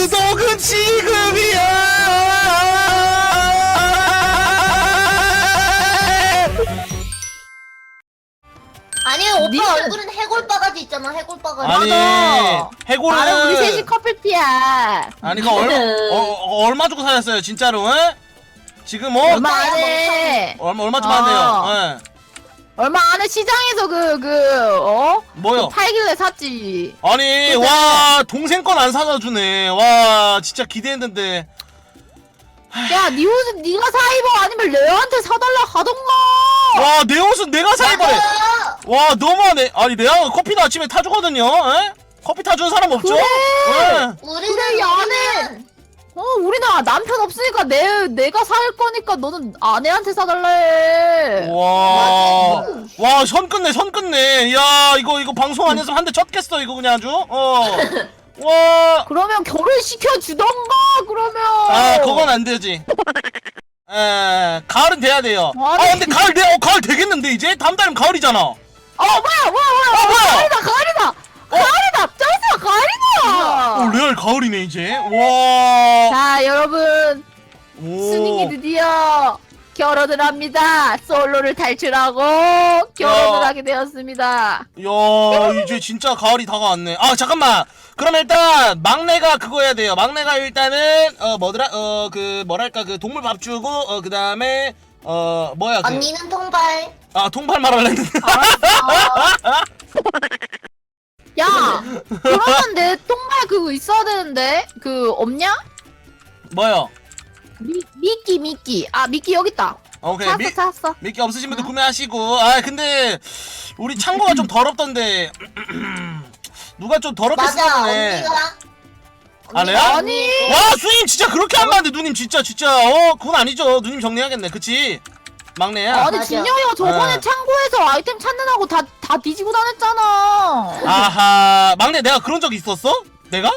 구독은 지금이야. 아니 오빠 니는- 얼굴은 해골바가지 있잖아. 해골바가지. 아니 나는 우리 해골은 셋이 커플피야. 아니 그거 얼마 주고 사셨어요 진짜로? 에? 지금 뭐 얼마 안에 얼마 주고 한대요? 예. 얼마 안에 시장에서 뭐요? 팔길래 샀지. 아니 그때- 와 동생 건 안 사다 주네. 와 진짜 기대했는데. 야, 네 옷은 네가 사 입어. 아니면 레아한테 사달라 하던가. 와 내 옷은 내가 사 입어래. 맞아. 와 너무하네. 아니 내가 커피도 아침에 타주거든요. 에? 커피 타주는 사람 없죠? 그래. 예. 우리는 그래, 야, 우리는 우리는 남편 없으니까 내가 살 거니까 너는 아내한테 사달라 해. 와, 와, 선 끝내, 선 끝내. 야, 이거 방송 안 했으면 한 대 쳤겠어, 이거 그냥 아주. 와. 그러면 결혼시켜 주던가. 그러면. 아, 그건 안 되지. 가을은 돼야 돼요. 아, 아니. 근데 가을 되겠는데, 이제? 다음 달이면 가을이잖아. 뭐야. 뭐야? 가을이다. 쩔어, 가을이다. 레알 가을이네, 이제. 와. 자, 여러분. 스닝이 오. 드디어 결혼을 합니다. 솔로를 탈출하고 결혼을 하게 되었습니다. 야, 이제 진짜 가을이 다가왔네. 아, 잠깐만. 그럼 일단 막내가 그거 해야 돼요. 막내가 일단은 뭐더라? 뭐랄까 그 동물 밥 주고 그다음에 뭐야 그 언니는 통발. 통발 말하려 했는데. 야, 그러면 내 똥발 그거 있어야 되는데 그 없냐? 뭐요? 미끼. 미끼 여기 있다. 오케이. 찾았어. 미끼 없으신 분들 구매하시고. 아, 근데 우리 창고가 좀 더럽던데. 누가 좀 더럽게 맞아. 쓰네. 언니가. 아, 레알? 아니. 와, 수님 진짜 그렇게 하면 안 돼. 누님 진짜 그건 아니죠. 누님 정리하겠네. 그치? 막내야. 아니 맞아. 진영이가 저번에 어. 창고에서 아이템 찾느라고 다 뒤지고 다녔잖아. 아하. 막내 내가 그런 적 있었어? 내가?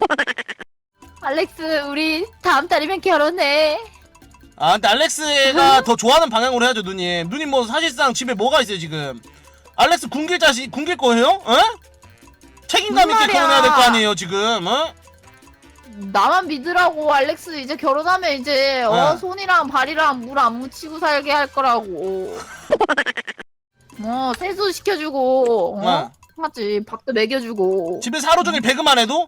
알렉스, 우리 다음 달이면 결혼해. 아, 근데 알렉스가 더 좋아하는 방향으로 해야죠, 누님. 누님 뭐 사실상 집에 뭐가 있어요, 지금? 알렉스 굶길 거예요? 어? 책임감 있게 무슨 말이야. 결혼해야 될 거 아니에요, 지금? 어? 나만 믿으라고. 알렉스 이제 결혼하면 이제 어. 손이랑 발이랑 물 안 묻히고 살게 할 거라고. 세수 시켜주고 하지. 밥도 먹여주고. 집에서 하루 종일 배그만 해도?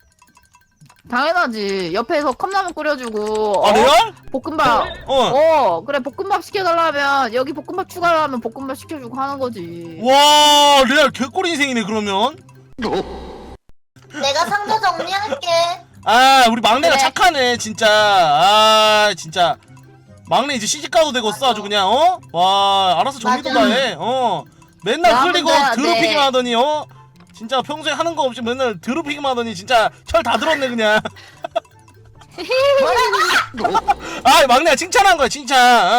당연하지. 옆에서 컵라면 끓여주고. 아, 레알? 볶음밥. 어. 그래, 볶음밥 시켜달라면 여기 볶음밥 추가하면 볶음밥 시켜주고 하는 거지. 와, 레알 개꿀 인생이네, 그러면. 내가 상자 정리할게. 아, 우리 막내가 그래. 착하네, 진짜. 아, 진짜. 막내 이제 시집가도 되고 써, 아주 그냥, 와, 알아서 정리도 다 맞아. 해, 맨날 야, 흘리고 근데, 더럽히기만 네. 하더니, 진짜 평소에 하는 거 없이 맨날 더럽히기만 하더니, 진짜 철 다 들었네, 그냥. 아, 막내가 칭찬한 거야, 칭찬.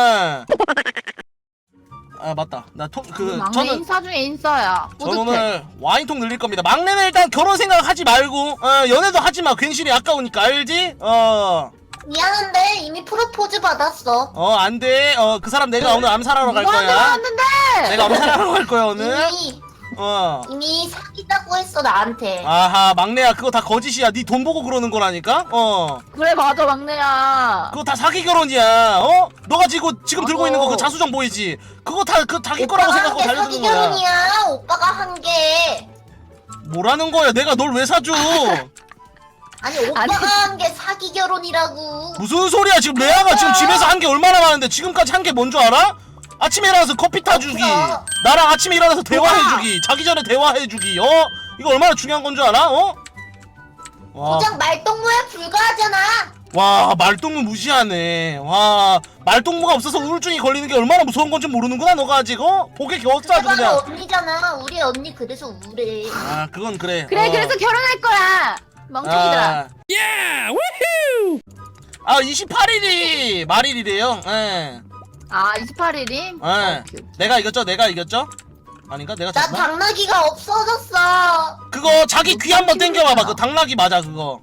아, 맞다. 막내 저는 인싸 중에 인싸야. 저는 뿌듯해. 오늘 와인통 늘릴 겁니다. 막내는 일단 결혼 생각 하지 말고, 연애도 하지 마. 괜시리 아까우니까, 알지? 미안한데 이미 프로포즈 받았어. 안 돼. 그 사람 내가 오늘 암살하러 갈 누구한테 거야. 왔는데? 내가 암살하러 갈 거야, 오늘. 이미 이미 사귀자고 했어 나한테. 아하, 막내야, 그거 다 거짓이야. 네 돈 보고 그러는 거라니까? 그래, 맞아, 막내야. 그거 다 사기 결혼이야. 너가 지금 들고 있는 거 그 자수정 보이지? 그거 다 자기 거라고 오빠가 생각하고 한 게 달려드는 사기 거야. 결혼이야. 오빠가 한 게. 뭐라는 거야? 내가 널 왜 사줘? 아니 오빠가 한 게 사기 결혼이라고. 무슨 소리야? 지금 레아가 지금 집에서 한 게 얼마나 많은데 지금까지 한 게 뭔 줄 알아? 아침에 일어나서 커피 타주기, 없어. 나랑 아침에 일어나서 대화해주기, 자기 전에 대화해주기. 이거 얼마나 중요한 건 줄 알아? 와, 고작 말동무에 불과하잖아. 와, 말동무 무시하네. 와, 말동무가 없어서 우울증이 걸리는 게 얼마나 무서운 건지 모르는구나, 너가 아직. 복에 겨웠어 아주 내가 그냥. 언니잖아. 우리 언니 그래서 우울해. 아, 그건 그래. 그래, 그래서 결혼할 거야. 멍청이들아. 28일이 말일이래요. 예. 28일이? 내가 이겼죠? 아닌가? 내가 나 졌나? 당나귀가 없어졌어. 그거 자기 귀 한번 땡겨봐봐. 그 당나귀 맞아 그거.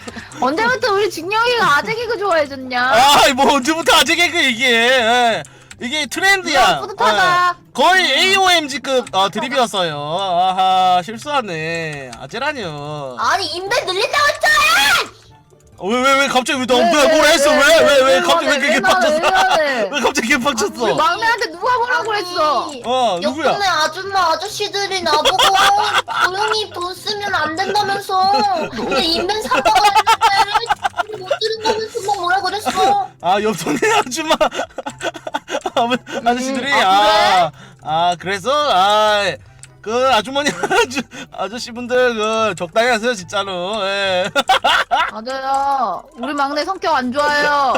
언제부터 우리 진영이가 아재 개그 좋아해졌냐? 아, 뭐 언제부터 아재 개그 얘기해. 이게 트렌드야. 뿌듯하다. 거의 AOMG급 드립이었어요. 아하 실수하네. 아재라뇨. 아니 인벤 늘린다고 했잖아. 왜 갑자기 뭐라 했어? 왜 갑자기 왜 그렇게 빡쳤어? 왜 갑자기 이렇게 우리 빡쳤어? 막내한테 누가 뭐라고 그랬어? 누구야? 옆동네 아줌마 아저씨들이 나보고 조용히 돈 쓰면 안 된다면서 근데 인벤 사다가 했는데 못 들은다면서 막 뭐라 그랬어. 아 옆동네 아줌마 아저씨들이 그래서 그 아주머니 아저씨분들 그 적당히 하세요 진짜로. 예. 맞아요. 우리 막내 성격 안 좋아요.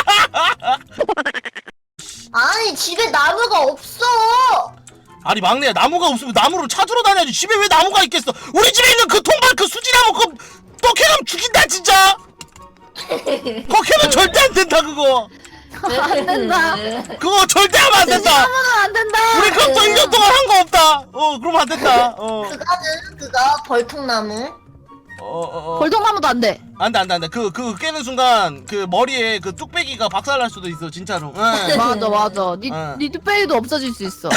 아니 집에 나무가 없어. 아니 막내야 나무가 없으면 나무를 찾으러 다녀야지. 집에 왜 나무가 있겠어? 우리 집에 있는 그 통발 그 수지나무 그거 또 캐면 죽인다 진짜. 그거 캐면 절대 안 된다 그거. 안 된다. 그거 절대 하면 안 된다. 하면 안 된다. 우리 그거 1년 동안 한 거 없다. 그러면 안 된다. 그거 벌통나무. 벌통나무도 안 돼. 안돼. 그 깨는 순간 그 머리에 그 뚝배기가 박살날 수도 있어 진짜로. 예. 맞아. 응. 니 뚝배기도 없어질 수 있어.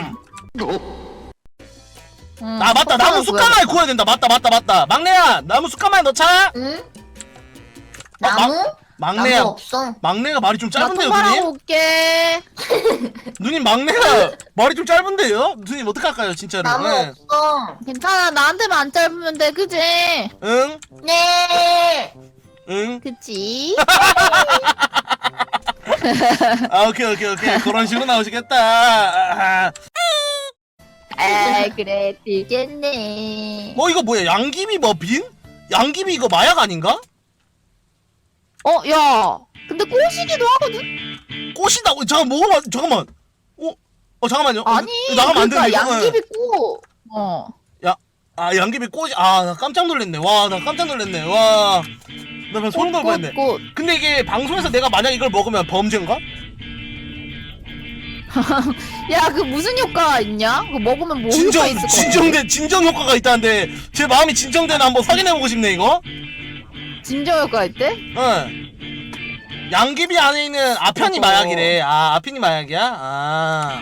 아 맞다 나무 숯가마에 구워야 된다. 맞다. 막내야 나무 숯가마에 넣자. 응? 나무? 막내야. 나무 없어. 막내가 말이 좀 나 짧은데요 통발하고 누님? 올게. 누님 막내가 말이 좀 짧은데요? 누님 어떡할까요 진짜로? 나무 예. 없어. 괜찮아. 나한테만 안 짧으면 돼. 그지? 응? 네. 응? 그치? 오케이 그런 식으로 나오시겠다. 그래. 되겠네. 이거 뭐야 양귀비 머핀? 양귀비 이거 마약 아닌가? 야. 근데 꼬시기도 하거든? 꽃이다. 잠깐만. 잠깐만요. 아니. 이거 나가면 안 되는데. 그러니까 이거. 양귀비 꼬. 양귀비 꽃이. 나 깜짝 놀랐네. 나 깜짝 놀랐네. 나 그냥 소름 돋을 뻔했네. 꽃. 근데 이게 방송에서 내가 만약 이걸 먹으면 범죄인가? 야, 그 무슨 효과가 있냐? 그거 먹으면 뭐 효과 있을 것 같아? 진정 효과가 있다는데 제 마음이 진정되나 한번 확인해보고 싶네 이거. 진정 효과가 있대? 응. 양귀비 안에 있는 아편이 마약이래. 아편이 마약이야?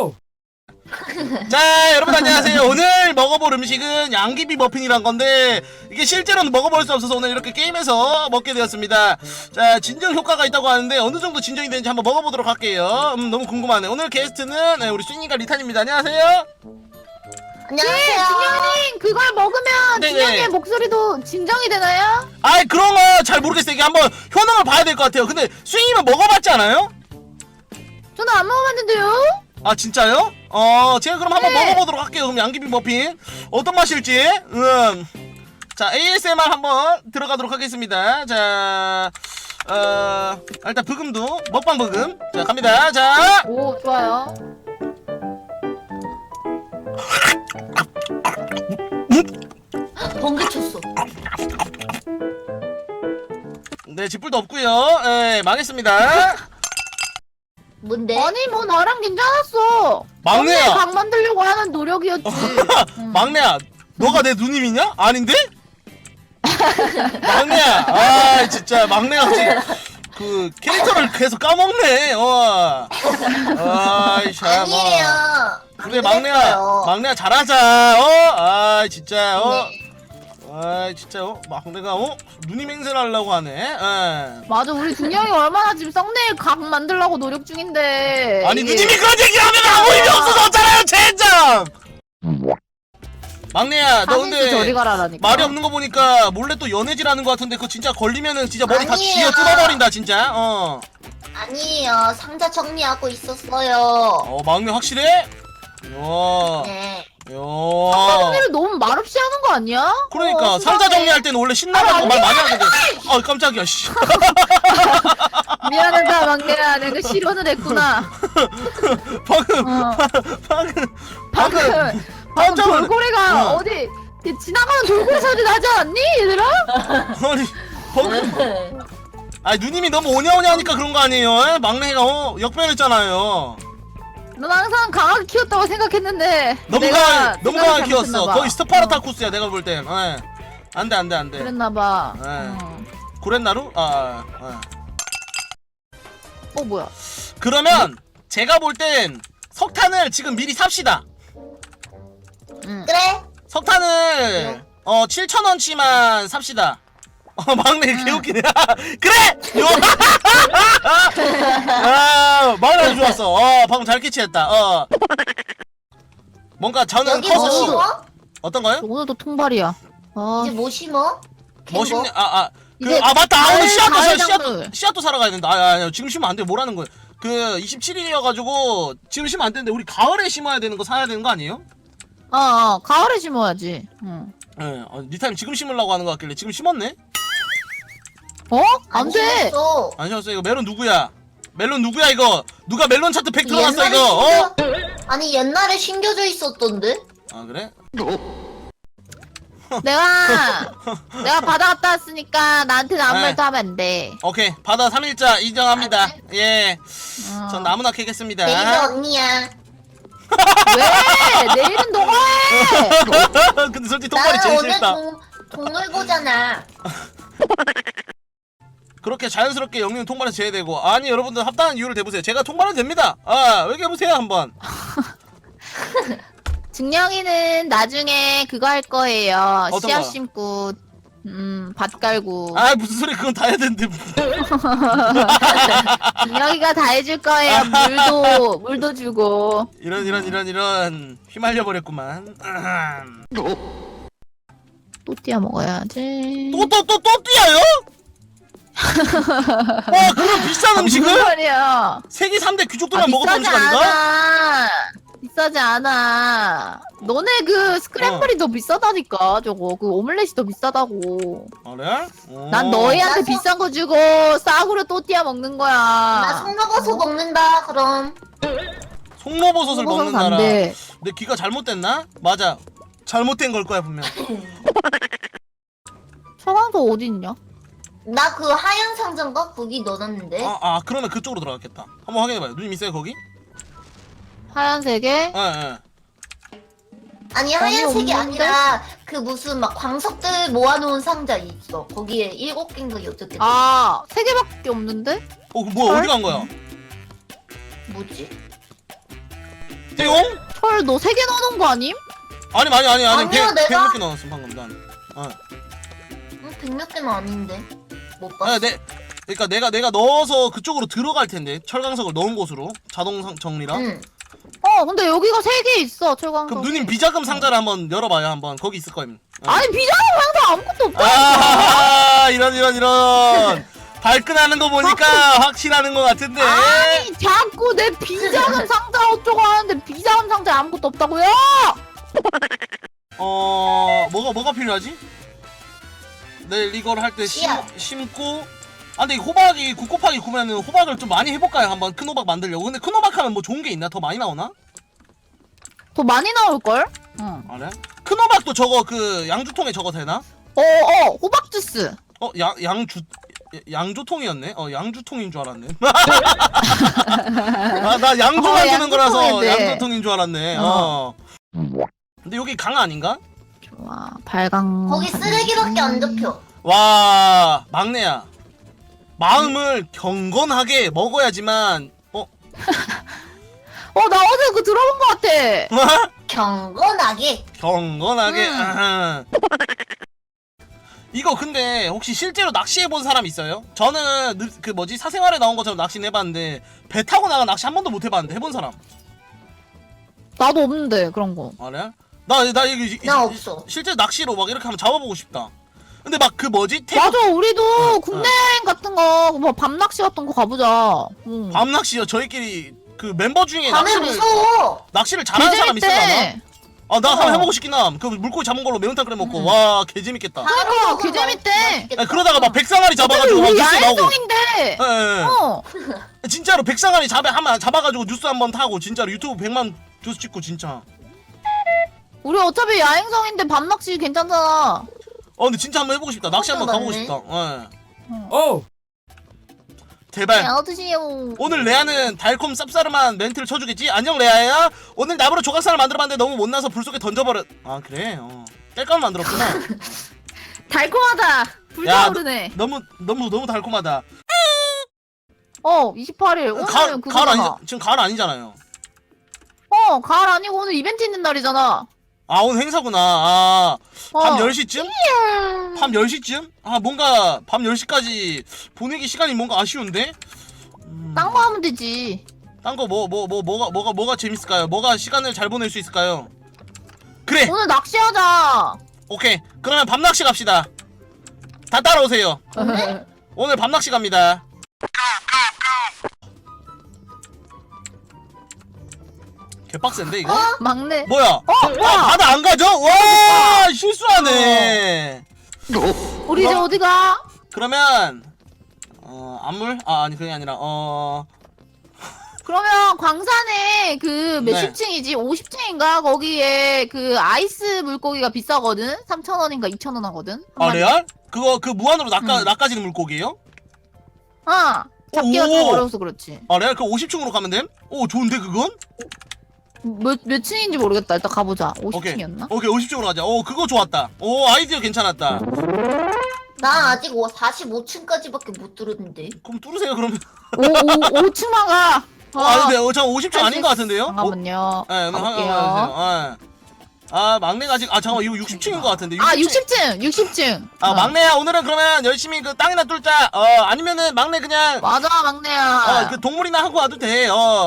자 여러분 안녕하세요. 오늘 먹어볼 음식은 양귀비 머핀이란 건데 이게 실제로는 먹어볼 수 없어서 오늘 이렇게 게임에서 먹게 되었습니다. 자 진정 효과가 있다고 하는데 어느 정도 진정이 되는지 한번 먹어보도록 할게요. 너무 궁금하네. 오늘 게스트는 우리 쏨이가 리탄입니다. 안녕하세요. 안녕하세요. 준영님, 그걸 먹으면 네네. 준영의 목소리도 진정이 되나요? 아이 그런 거 잘 모르겠어요. 이게 한번 효능을 봐야 될 것 같아요. 근데 쏨이는 먹어봤지 않아요? 저는 안 먹어봤는데요? 아 진짜요? 제가 그럼 한번 먹어보도록 할게요. 그럼 양귀비 머핀 어떤 맛일지. 자 ASMR 한번 들어가도록 하겠습니다. 자 일단 브금도 먹방 브금. 자 갑니다. 자 오, 좋아요. 번개 쳤어. 네 짓불도 없고요. 망했습니다. 뭔데? 아니, 뭐 나랑 괜찮았어. 막내야. 각 만들려고 하는 노력이었지. 막내야 너가 내 누님이냐? 아닌데? 막내야 진짜 막내가 지금 그 캐릭터를 계속 까먹네. 아이 참. 아니에요. 그래 그랬어요. 막내야 잘하자. 진짜 네. 진짜 막내가 누님 행세를 하려고 하네. 맞아, 우리 준영이 얼마나 지금 썸네일 각 만들려고 노력 중인데. 아니 이게- 누님이 그런 얘기하면 아무 의미 없어서 어쩌나요 젠장. 막내야 너 하민수 저리 근데 가라라니까. 말이 없는 거 보니까 몰래 또 연애질 하는 거 같은데 그거 진짜 걸리면은 진짜 머리 다 아니에요. 쥐어 뜯어버린다 진짜. 아니에요. 상자 정리하고 있었어요. 막내 확실해? 야. 네. 썸네일을 너무 말없이 하는 거 아니야? 그러니까 상자 수상해. 정리할 때는 원래 신나가지고 말 많이 하는데 깜짝이야 씨. 미안하다, 막내야. 내가 실언을 했구나. 방금 방금 깜짝 놀랐- 돌고래가 어. 어디 지나가는 돌고래 소리 나지 않니, 얘들아? 아니 방금 누님이 너무 오냐오냐 하니까 그런 거 아니에요? 막내가 역변했잖아요. 넌 항상 강하게 키웠다고 생각했는데 너무 내가 강하게 생각을 키웠어. 잘못했나봐. 거의 스파르타쿠스야 내가 볼 땐. 안돼. 그랬나봐. 네. 구렛나루? 뭐야? 그러면 제가 볼 땐 석탄을 지금 미리 삽시다. 그래? 석탄을 7,000원치만 삽시다. 막내 개웃기네. 그래! 요! 막내 아주 좋았어. 방금 잘 캐치했다. 뭔가 저는 여기 뭐 커서 심어? 어떤 거요? 오늘도 통발이야. 이제 뭐 심어? 멋있네. 이제 맞다. 오늘 가을 씨앗도 작물. 씨앗도 사러 가야 된다. 아니, 지금 심으면 안 돼. 뭐라는 거예요? 그 27일이어가지고 지금 심으면 안 되는데 우리 가을에 심어야 되는 거 사야 되는 거 아니에요? 가을에 심어야지. 응. 네, 니타임 지금 심으려고 하는 거 같길래 지금 심었네? 안 돼. 심었어. 안 심었어. 이거 멜론 누구야? 멜론 누구야 이거? 누가 멜론 차트 100 들어갔어 옛날에 이거? 아니 옛날에 심겨져 있었던데? 아 그래? 내가 바다 갔다 왔으니까 나한테는 아무 네. 말도 하면 안 돼. 오케이 바다 3일자 인정합니다. 예. 어. 전 나무나 캐겠습니다. 내리가 언니야. 왜? 내일은 너가 해. 근데 솔직히 통발이 나는 제일 오늘 싫다. 동물보잖아. 그렇게 자연스럽게 영리는 통발에서 제외되고 아니 여러분들 합당한 이유를 대보세요. 제가 통발은 됩니다. 얘기해보세요 한번. 증명이는 나중에 그거 할 거예요. 어떤 씨앗 거요? 심고 밭 깔고. 무슨 소리 그건 다 해야 되는데. 증명이가 다 해줄 거예요. 물도 주고. 이런 휘말려 버렸구만. 또띠아 먹어야지. 또 뛰어요? 와 그런 비싼 무슨 음식을 소리야? 세계 3대 귀족들만 먹었던 비싸지 음식 아닌가? 않아. 비싸지 않아. 너네 그 스크램블이 더 비싸다니까. 저거 그 오믈렛이 더 비싸다고. 그래? 난 너희한테 나 소- 비싼 거 주고 싸구려 또띠아 먹는 거야. 나 송로버섯 먹는다. 그럼 송로버섯을 먹어서는 먹는 안 나라. 돼. 내 귀가 잘못됐나? 맞아. 잘못된 걸 거야 분명. 서강도 어디 있냐? 나 그 하얀 상자인가 거기 넣어놨는데. 그러면 그쪽으로 들어갔겠다. 한번 확인해봐요. 누님 있어요 거기? 하얀색에 예. 아니 하얀색이 없는데? 아니라 그 무슨 막 광석들 모아놓은 상자 있어. 거기에 7개인가 8개. 세 개밖에 없는데? 뭐야 어디 간 거야? 뭐지? 떼용? 철 너 3개 넣어놓은 거 아님? 아니 아니야, 100 내가- 몇 개 넣었어 방금 난. 100몇 개는 아닌데. 못 봤어. 그러니까 내가 넣어서 그쪽으로 들어갈 텐데 철광석을 넣은 곳으로 자동 정리랑. 응. 근데 여기가 3개 있어 철광석. 그럼 누님 비자금 상자를 한번 열어봐요 한번. 거기 있을 거임. 아니 비자금 상자 아무것도 없다. 이런 발끈하는 거 보니까 확실하는 거 같은데. 아니 자꾸 내 비자금 상자 어쩌고 하는데 비자금 상자 아무것도 없다고요? 뭐가 필요하지? 내일 이걸 할 때 씨앗. 심고. 근데 이 호박이 9 곱하기 9면은 호박을 좀 많이 해볼까요? 한번 큰 호박 만들려고. 근데 큰 호박 하면 뭐 좋은 게 있나? 더 많이 나오나? 더 많이 나올걸? 응. 그래? 큰 호박도 저거 그 양주통에 저거 되나? 호박 주스. 양조통이었네? 양주통인 줄 알았네. 나 양조 만드는 거라서 양조통인데. 양조통인 줄 알았네. 근데 여기 강 아닌가? 좋아 발광. 거기 쓰레기밖에 안 잡혀. 와, 막내야. 마음을 경건하게 먹어야지만, 나 어제 그거 들어본 거 같아. 경건하게. 경건하게. 아하. 이거 근데 혹시 실제로 낚시해본 사람 있어요? 저는 사생활에 나온 것처럼 낚시는 해봤는데 배 타고 나가 낚시 한 번도 못 해봤는데 해본 사람? 나도 없는데 그런 거. 그래? 나 이거 나 없어. 실제 낚시로 막 이렇게 한번 잡아보고 싶다. 근데 막 맞아 우리도 국내 여행 같은 거 뭐 밤낚시 같은 거 가보자. 응. 밤 낚시요. 저희끼리 그 멤버 중에 밤에 무서워. 낚시를 잘하는 사람 있을라나? 개재밌대. 나 한번 해보고 싶긴 함. 그 물고기 잡은 걸로 매운탕 끓여 먹고 와 개재밌겠다. 그러니까 개재밌대. 맛있겠다. 그러다가 막 백상아리 잡아가지고 막 우리 뉴스 나오고. 야외송인데. 예. 진짜로 백상아리 잡아가지고 뉴스 한번 타고 진짜로 유튜브 100만 조수 찍고 진짜. 우리 어차피 야행성인데 밤낚시 괜찮잖아. 근데 진짜 한번 해보고 싶다. 낚시 한번 가보고 맞네. 싶다. 오! 제발. 야 어떠시요? 오늘 레아는 달콤 쌉싸름한 멘트를 쳐주겠지? 안녕 레아야. 오늘 나무로 조각상을 만들어봤는데 너무 못나서 불 속에 던져버렸. 그래. 뗄감을 만들었구나. 달콤하다. 야, 불타오르네. 너무 달콤하다. 28일. 오늘 가을 그거잖아. 아니 지금 가을 아니잖아요. 가을 아니고 오늘 이벤트 있는 날이잖아. 아 오늘 행사구나. 아 밤 어. 10시쯤? 밤 10시쯤? 아 뭔가 밤 10시까지 보내기 시간이 뭔가 아쉬운데? 딴 거 하면 되지. 딴 거 뭐가 재밌을까요? 뭐가 시간을 잘 보낼 수 있을까요? 그래 오늘 낚시하자. 오케이 그러면 밤낚시 갑시다. 다 따라오세요. 오늘 밤낚시 갑니다. 개빡센데 이거? 막내. 뭐야? 뭐야? 바다 안 가죠? 와 실수하네. 우리 이제 어디 가? 그러면 안물? 아니 그게 아니라 그러면 광산에 그 네. 몇십 층이지? 50층인가? 거기에 그 아이스 물고기가 비싸거든? 3,000원인가 2,000원 하거든? 한 마리. 레알? 그거 그 무한으로 응. 낚아지는 물고기예요? 잡기가 오. 좀 어려워서 그렇지. 레알 그 50층으로 가면 됨? 오 좋은데 그건? 몇 층인지 모르겠다. 일단 가보자. 오케이 50층이었나? 오케이 50층으로 가자. 그거 좋았다. 아이디어 괜찮았다. 나 아직 45층까지밖에 못 들었는데. 그럼 뚫으세요 그러면. 5층만 가! 근데 저 50층 할수 아닌 것 같은데요? 잠깐만요. 네, 가볼게요. 막내가 아직 잠깐만 이거 60층인 것 같은데. 60층! 막내야 오늘은 그러면 열심히 그 땅이나 뚫자. 아니면은 막내 그냥 맞아, 막내야. 그 동물이나 하고 와도 돼.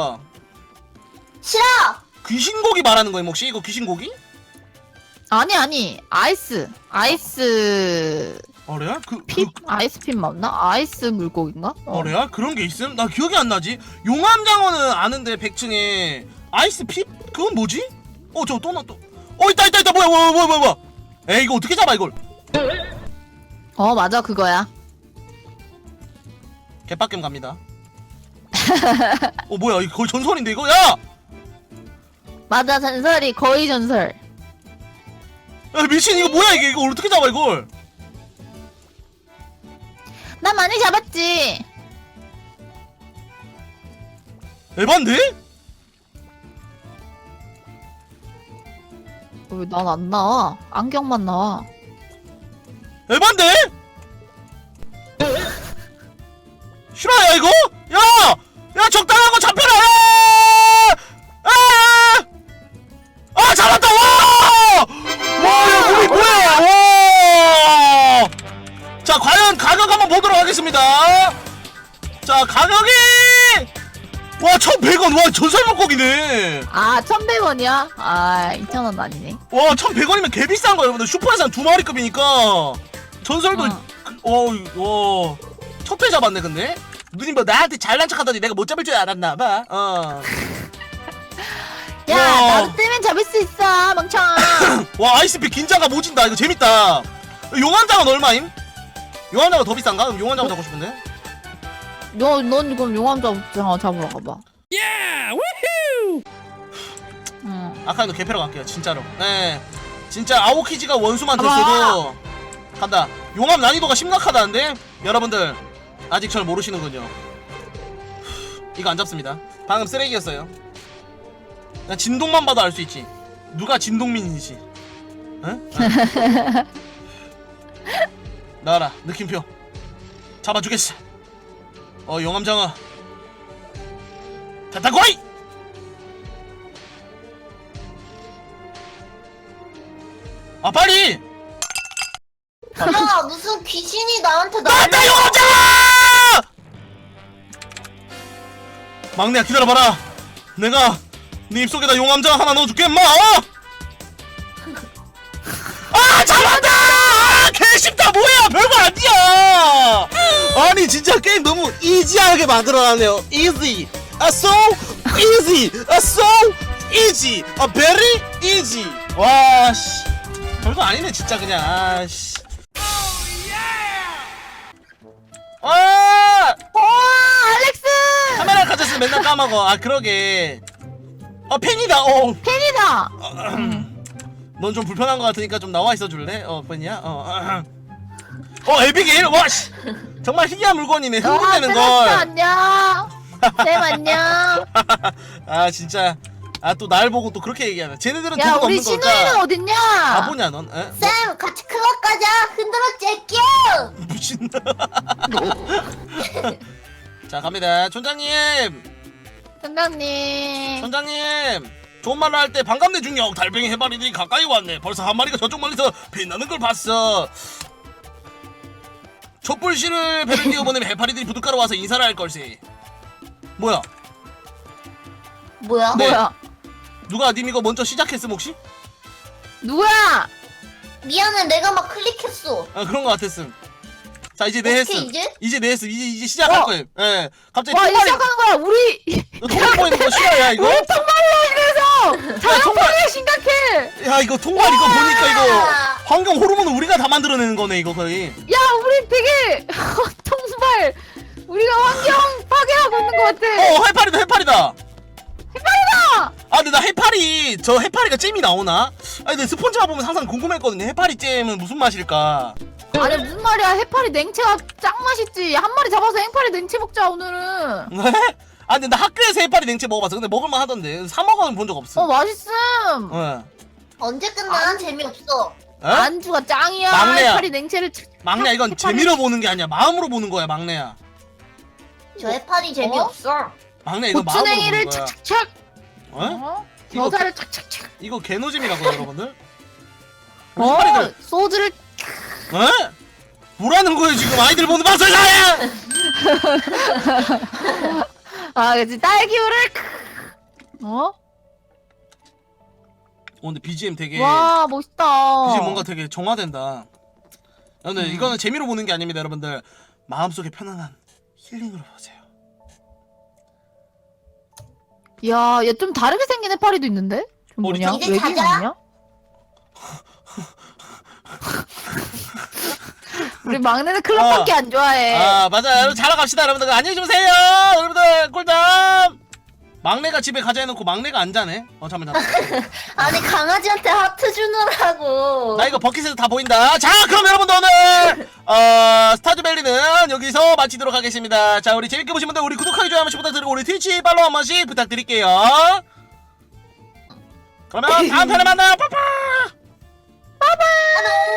싫어! 귀신고기 말하는 거임 혹시? 이거 귀신고기? 아니. 아이스. 레알? 핏? 아이스핏 맞나? 아이스 물고기인가? 레알? 그런 게 있음? 나 기억이 안 나지? 용암장어는 아는데 100층에 아이스 핏? 그건 뭐지? 저거 또 있다 뭐야 에이 이거 어떻게 잡아 이걸? 맞아, 그거야. 개빡겜 갑니다. 뭐야 이거 거의 전설인데 이거? 야! 맞아, 전설이 거의 전설. 야 미친 이거 뭐야 이거 어떻게 잡아 이걸? 난 많이 잡았지. 에반데? 왜 난 안 나와? 안경만 나와. 에반데? 실화야 이거? 야 적당한 거 잡혀라! 잡았다! 야 몸이 뭐야! 와! 자 과연 가격 한번 보도록 하겠습니다. 자 가격이 와 1,100원. 와 전설 물고기네. 1,100원이야? 2,000원 아니네. 와 1,100원이면 개 비싼 거야 여러분들. 슈퍼에서 한 2마리급이니까 전설도 와 첫회 잡았네. 근데 누님 뭐 나한테 잘난 척하더니 내가 못 잡을 줄 알았나봐. 야, 와. 나도 뜨면 잡을 수 있어, 멍청아. 와 아이스피 긴장감 오진다. 이거 재밌다. 용암장은 얼마임? 용암장은 더 비싼가? 그럼 용암장어 잡고 싶은데. 넌 그럼 용암장어 잡으러 가봐. 아카이도 개패러 갈게요 진짜로. 네 진짜 아오키지가 원수만 가봐. 됐어도 간다. 용암 난이도가 심각하다는데 여러분들 아직 절 모르시는군요. 이거 안 잡습니다. 방금 쓰레기였어요. 그냥 진동만 봐도 알 수 있지 누가 진동민인지. 응? 나와라 느낌표 잡아주겠어. 용암장어 타타고이! 빨리! 야, 무슨 귀신이 나한테 나왔다 용암장어! 막내야 기다려봐라. 내가 네 입속에다 용암장어 하나 넣어줄게 임마. 잡았다! 개쉽다. 뭐야 별거 아니야. 아니 진짜 게임 너무 이지하게 만들어놨네요. easy, so easy, so easy, very easy. 와씨 별거 아니네 진짜 그냥. 아씨. 알렉스! 카메라 가졌으면 맨날 까먹어. 그러게. 팬이다. 팬이다! 넌 좀 불편한 것 같으니까 좀 나와 있어 줄래? 팬이야? 에비게일? 와, 씨! 정말 희귀한 물건이네. 흥분되는 걸. 안녕. 쌤 안녕. 진짜. 또 날 보고 또 그렇게 얘기하네. 쟤네들은 야, 돈은 우리 없는 신우이는 걸까? 어딨냐? 바보냐, 넌? 쌤, 같이 클럽 가자. 흔들어 째끼. 미친. 자 갑니다. 촌장님 촌장님 좋은 말로 할 때 반갑네 중력. 달팽이 해파리들이 가까이 왔네. 벌써 한 마리가 저쪽 멀리서 빛나는 걸 봤어. 촛불씨를 배를 띄워보내면 해파리들이 부둣가로 와서 인사를 할 걸세. 뭐야? 뭐야? 네. 뭐야? 누가 님 이거 먼저 시작했음 혹시? 누구야? 미안해, 내가 막 클릭했어. 아 그런 거 같았음. 자 이제 내 어떻게 했음. 이제? 이제 내 했음. 이제 시작할 거예요. 예. 갑자기 와, 통발이 시작하는 거야. 우리 통발 보이는 거 싫어야 이거? 우리 통발이야 이래서 자연파괴 심각해. 야 이거 통발 이거 보니까 이거 환경 호르몬을 우리가 다 만들어내는 거네 이거 거의. 야, 우리 되게 통발. 우리가 환경 파괴하고 있는 것 같아. 해파리다 해파리다. 해파리다. 아 근데 나 해파리 저 해파리가 잼이 나오나? 아니 근데 스폰지밥 보면 항상 궁금했거든요. 해파리 잼은 무슨 맛일까? 아니 무슨 말이야? 해파리 냉채가 짱 맛있지. 한 마리 잡아서 해파리 냉채 먹자 오늘은. 네? 아 근데 나 학교에서 해파리 냉채 먹어봤어. 근데 먹을만 하던데 사 먹어는 본 적 없어. 맛있음. 네. 언제 끝나? 재미없어. 에? 안주가 짱이야. 막내야. 해파리 냉채를 막내야 이건 해파리- 재미로 보는 게 아니야. 마음으로 보는 거야 막내야. 저 해파리 재미없어. 막내 이거 마음으로 고추냉이를 보는 거야. 착착착. 어? 이거 겨자를 착착착. 이거 개노잼이라고요 여러분들? 해파리들 소주를 에? 뭐라는 거예요 지금 아이들 보는 방송에서! 그치 딸기우를 근데 BGM 되게 와 멋있다. BGM 뭔가 되게 정화된다. 근데 이거는 재미로 보는 게 아닙니다 여러분들. 마음속에 편안한 힐링으로 보세요. 야, 얘 좀 다르게 생긴 해파리도 있는데? 좀 뭐냐? 이제 외계인 자자. 아니야? 우리 막내는 클럽밖에 안 좋아해. 아 맞아요 여러분 자러 갑시다 여러분들. 안녕히 주무세요 여러분들. 꿀잠. 막내가 집에 가자 해놓고 막내가 안 자네. 잠깐만 아니, 강아지한테 하트 주느라고. 나 이거 버킷에서 다 보인다. 자 그럼 여러분들 오늘 스타즈밸리는 여기서 마치도록 하겠습니다. 자 우리 재밌게 보신 분들 우리 구독하기 좋아요 한 번씩 부탁드리고 우리 트위치 팔로우 한 번씩 부탁드릴게요. 그러면 다음 편에 만나요. 빠빠. 안녕.